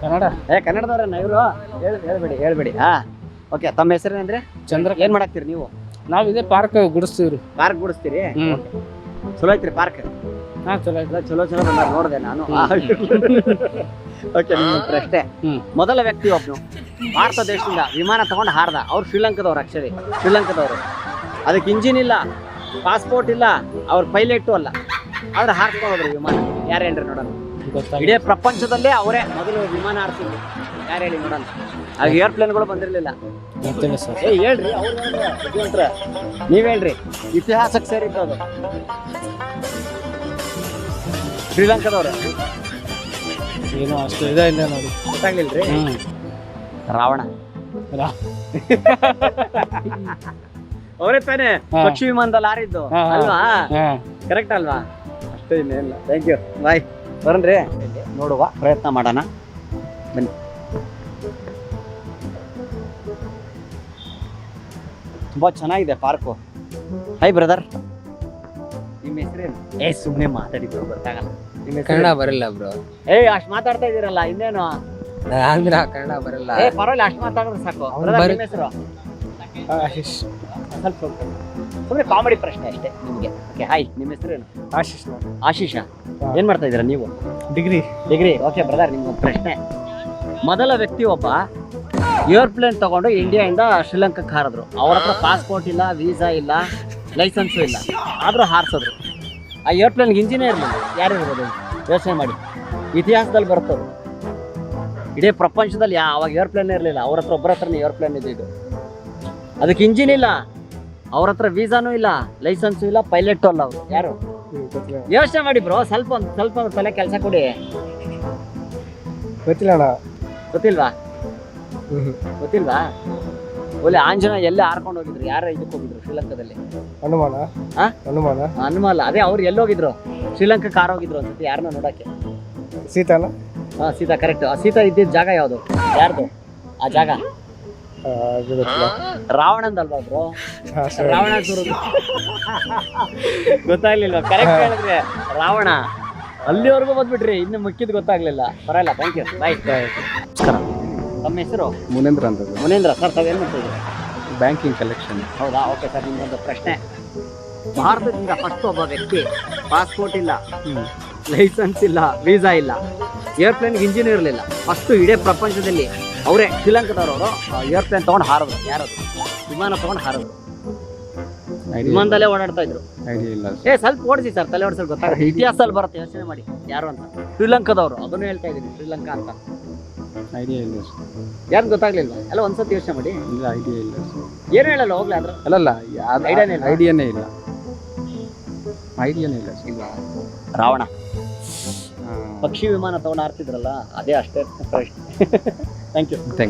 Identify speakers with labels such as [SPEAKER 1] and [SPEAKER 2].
[SPEAKER 1] ಕನ್ನಡ.
[SPEAKER 2] ಕನ್ನಡದವ್ರನ್ನ ಇವರು? ಹೇಳ್ಬೇಡಿ. ಓಕೆ, ತಮ್ಮ ಹೆಸರೇನಂದ್ರೆ?
[SPEAKER 1] ಚಂದ್ರ.
[SPEAKER 2] ಏನ್ ಮಾಡಾಕ್ತೀರಿ ನೀವು?
[SPEAKER 1] ನಾವ್ ಇದೇ ಪಾರ್ಕ್ ಗುಡಿಸ್ತೀವ್ರಿ.
[SPEAKER 2] ಪಾರ್ಕ್ ಗುಡಿಸ್ತೀರಿ? ಚಲೋ ಐತ್ರಿ ಪಾರ್ಕ್?
[SPEAKER 1] ಚಲೋ ಐತೆ.
[SPEAKER 2] ಚಲೋ ಬಂದಾರ, ನೋಡಿದೆ ನಾನು. ಓಕೆ, ನಿಮ್ಮ ಪ್ರಶ್ನೆ. ಮೊದಲ ವ್ಯಕ್ತಿ ಒಬ್ನು ಭಾರತ ದೇಶದಿಂದ ವಿಮಾನ ತಗೊಂಡು ಹಾರ್ದ. ಅವ್ರು ಶ್ರೀಲಂಕಾದವ್ರು, ಶ್ರೀಲಂಕಾದವ್ರು. ಅದಕ್ಕೆ ಇಂಜಿನ್ ಇಲ್ಲ, ಪಾಸ್ಪೋರ್ಟ್ ಇಲ್ಲ, ಅವ್ರ ಪೈಲಟು ಅಲ್ಲ, ಆದ್ರೆ ಹಾರ್ಸ್ಕೊಂಡು ಹೋದ್ರು ವಿಮಾನ. ಯಾರು ಹೇಳ್ರಿ ನೋಡೋಣ? ಇಡೀ ಪ್ರಪಂಚದಲ್ಲೇ ಅವರೇ ಮೊದಲು ವಿಮಾನ ಹಾರಿಸಿದ್ರು. ಯಾರು ಹೇಳಿ ನೋಡೋಣ? ಆಗ ಏರ್ಪ್ಲೇನ್ಗಳು ಬಂದಿರಲಿಲ್ಲ. ಹೇಳ್ರಿ, ಅವ್ರು ನೀವ್ ಹೇಳ್ರಿ. ಇತಿಹಾಸಕ್ಕೆ ಸೇರಿದ್ದು ಅದು. ಶ್ರೀಲಂಕಾದವ್ರು
[SPEAKER 1] ಏನು ಅಷ್ಟು ಇಲ್ಲ ನೋಡಿ.
[SPEAKER 2] ಗೊತ್ತಾಗ್ಲಿಲ್ರಿ? ರಾವಣ. ಅವರೇ ತಾನೇ ಪಕ್ಷಿ ವಿಮಾನದಲ್ಲಿ ಹಾರಿದ್ದು ಅಲ್ವಾ? ಕರೆಕ್ಟ್ ಅಲ್ವಾ? ಅಷ್ಟೇ, ಇನ್ನೇನಿಲ್ಲ. ಥ್ಯಾಂಕ್ ಯು, ಬಾಯ್. ಬರನ್ರಿ, ನೋಡುವ ಪ್ರಯತ್ನ ಮಾಡೋಣ, ಬನ್ನಿ. ತುಂಬಾ ಚೆನ್ನಾಗಿದೆ ಪಾರ್ಕು. ಹೈ ಬ್ರದರ್, ನಿಮ್ಮ ಹೆಸರೇನು? ಸುಮ್ಮನೆ ಮಾತಾಡಿದ್ರು ಗೊತ್ತಾಗಲ್ಲ. ನಿಮ್ಮ
[SPEAKER 3] ಕನ್ನಡ ಬರಲ್ಲ ಬ್ರೋ.
[SPEAKER 2] ಅಷ್ಟ್ ಮಾತಾಡ್ತಾ ಇದೀರಲ್ಲ, ಇನ್ನೇನು?
[SPEAKER 3] ಆಂಧ್ರ ಕನ್ನಡ ಬರಲ್ಲ.
[SPEAKER 2] ಪರವಾಗಿಲ್ಲ, ಅಷ್ಟ್ ಮಾತಾಡಿದ್ರೆ ಸಾಕು. ನಿಮ್ಮ ಹೆಸರು?
[SPEAKER 1] ಆಶೀಶ್.
[SPEAKER 2] ಸ್ವಲ್ಪ ಸುಮ್ಮನೆ ಕಾಮಿಡಿ ಪ್ರಶ್ನೆ ಅಷ್ಟೇ ನಿಮಗೆ. ಓಕೆ, ಹಾಯ್, ನಿಮ್ಮ ಹೆಸರೇನು?
[SPEAKER 1] ಆಶೀಶ್.
[SPEAKER 2] ಆಶೀಷ. ಏನ್ ಮಾಡ್ತಾ ಇದ್ದೀರಾ ನೀವು?
[SPEAKER 1] ಡಿಗ್ರಿ.
[SPEAKER 2] ಓಕೆ ಬ್ರದರ್, ನಿಮ್ಗೊಂದು ಪ್ರಶ್ನೆ. ಮೊದಲ ವ್ಯಕ್ತಿ ಒಬ್ಬ ಏರ್ಪ್ಲೇನ್ ತಗೊಂಡು ಇಂಡಿಯಾದಿಂದ ಶ್ರೀಲಂಕಾಕ್ಕೆ ಹಾರಿದ್ರು. ಅವ್ರ ಹತ್ರ ಪಾಸ್ಪೋರ್ಟ್ ಇಲ್ಲ, ವೀಸಾ ಇಲ್ಲ, ಲೈಸೆನ್ಸು ಇಲ್ಲ, ಆದ್ರೂ ಹಾರಿಸಿದ್ರು. ಆ ಏರ್ಪ್ಲೇನ್ಗೆ ಇಂಜಿನೇ ಇರಲಿಲ್ಲ. ಯಾರು ಇರ್ಬೋದು? ಯೋಚನೆ ಮಾಡಿ. ಇತಿಹಾಸದಲ್ಲಿ ಬರ್ತದೆ. ಇಡೀ ಪ್ರಪಂಚದಲ್ಲಿ ಅವಾಗ ಏರ್ಪ್ಲೇನ್ ಇರಲಿಲ್ಲ. ಅವ್ರ ಹತ್ರ ಒಬ್ಬರ ಹತ್ರನೇ ಏರ್ಪ್ಲೇನ್ ಇದ್ದಿದ್ದು. ಅದಕ್ಕೆ ಇಂಜಿನ್ ಇಲ್ಲ, ಅವ್ರ ಹತ್ರ ವೀಸಾನೂ ಇಲ್ಲ, ಲೈಸೆನ್ಸು ಇಲ್ಲ, ಪೈಲಟು ಅಲ್ಲ ಅವರು. ಯಾರು? ಯೋಚನೆ ಮಾಡಿ ಬ್ರೋ, ಸ್ವಲ್ಪ ತಲೆ ಕೆಲಸ ಕೊಡಿ. ಗೊತ್ತಿಲ್ವಾ? ಒಳ್ಳೆ ಆಂಜನೇಯ ಎಲ್ಲಿ ಹಾರ್ಕೊಂಡು ಹೋಗಿದ್ರು? ಯಾರ ಇದಕ್ಕೆ ಹೋಗಿದ್ರು ಶ್ರೀಲಂಕಾದಲ್ಲಿ? ಹನುಮಾನ. ಅದೇ ಅವ್ರು ಎಲ್ಲಿ ಹೋಗಿದ್ರು? ಶ್ರೀಲಂಕಾಕ್ಕೆ ಕಾರ್ ಹೋಗಿದ್ರು ಅನ್ಸುತ್ತೆ. ಯಾರನ್ನ ನೋಡಕ್ಕೆ? ಸೀತಾ, ಕರೆಕ್ಟ್. ಆ ಸೀತಾ ಇದ್ದಿದ್ದ ಜಾಗ ಯಾವುದು? ಯಾರ್ದು ಆ ಜಾಗ? ರಾವಣಂದಲ್ವಾ ಬ್ರೋ? ರಾವಣ ಗೊತ್ತಾಗ್ಲಿಲ್ವಾ? ಕರೆಕ್ಟ್ ಹೇಳಿದ್ರೆ ರಾವಣ. ಅಲ್ಲಿವರೆಗೂ ಬಂದ್ಬಿಟ್ರಿ, ಇನ್ನು ಮುಖ್ಯದ ಗೊತ್ತಾಗ್ಲಿಲ್ಲ. ಪರವಾಗಿಲ್ಲ, ಥ್ಯಾಂಕ್ ಯು, ಬಾಯ್. ನಮಸ್ಕಾರ. ತಮ್ಮ ಹೆಸರು?
[SPEAKER 4] ಮುನೇಂದ್ರ ಅಂತ.
[SPEAKER 2] ಮುನೇಂದ್ರ ಸರ್, ತಾವೇನು ಮಾಡ್ತಿದ್ದೀರಿ?
[SPEAKER 4] Banking collection.
[SPEAKER 2] ಹೌದಾ? ಓಕೆ ಸರ್, ನಿಮ್ಗೊಂದು ಪ್ರಶ್ನೆ. ಭಾರತದಿಂದ ಫಸ್ಟ್ ಒಬ್ಬ ವ್ಯಕ್ತಿ ಪಾಸ್ಪೋರ್ಟ್ ಇಲ್ಲ, ಲೈಸೆನ್ಸ್ ಇಲ್ಲ, ವೀಸಾ ಇಲ್ಲ, ಏರ್ಪ್ಲೇನ್ಗೆ ಇಂಜಿನ್ ಇರಲಿಲ್ಲ, ಫಸ್ಟ್ ಇಡೀ ಪ್ರಪಂಚದಲ್ಲಿ ಅವರೇ ಶ್ರೀಲಂಕಾದವರು ಏರ್ಪ್ಲೇನ್ ತಗೊಂಡು ಹಾರಿದ್ರು. ಯಾರದು? ವಿಮಾನ ತಗೊಂಡು ಹಾರಿದ್ರು. ವಿಮಾನದಲ್ಲೇ ಓಡಾಡ್ತಾ ಇದ್ರು. ಸ್ವಲ್ಪ ಓಡಿಸಿ ಸರ್, ತಲೆ ಓಡಿಸಲು ಗೊತ್ತಾಗುತ್ತೆ. ಇತಿಹಾಸದಲ್ಲಿ ಬರುತ್ತೆ, ಯೋಚನೆ ಮಾಡಿ. ಯಾರು ಅಂತ? ಶ್ರೀಲಂಕಾದವರು. ಅದನ್ನು ಹೇಳ್ತಾ ಇದ್ದೀನಿ, ಶ್ರೀಲಂಕಾ ಅಂತ.
[SPEAKER 4] ಐಡಿಯಾ ಇಲ್ಲ.
[SPEAKER 2] ಯಾರು ಗೊತ್ತಾಗ್ಲಿಲ್ವಾ? ಎಲ್ಲ ಒಂದ್ಸತಿ ಯೋಚನೆ ಮಾಡಿ.
[SPEAKER 4] ಐಡಿಯಾ ಇಲ್ಲ.
[SPEAKER 2] ಏನು ಹೇಳಲ್ಲ ಹೋಗ್ಲಿ. ಅದ್ರ
[SPEAKER 4] ಐಡಿಯಾನೇ ಇಲ್ಲ.
[SPEAKER 2] ರಾವಣ ಪಕ್ಷಿ ವಿಮಾನ ತಗೊಂಡು ಹಾರ್ತಿದ್ರಲ್ಲ, ಅದೇ ಅಷ್ಟೇ ಪ್ರಶ್ನೆ. Thank you.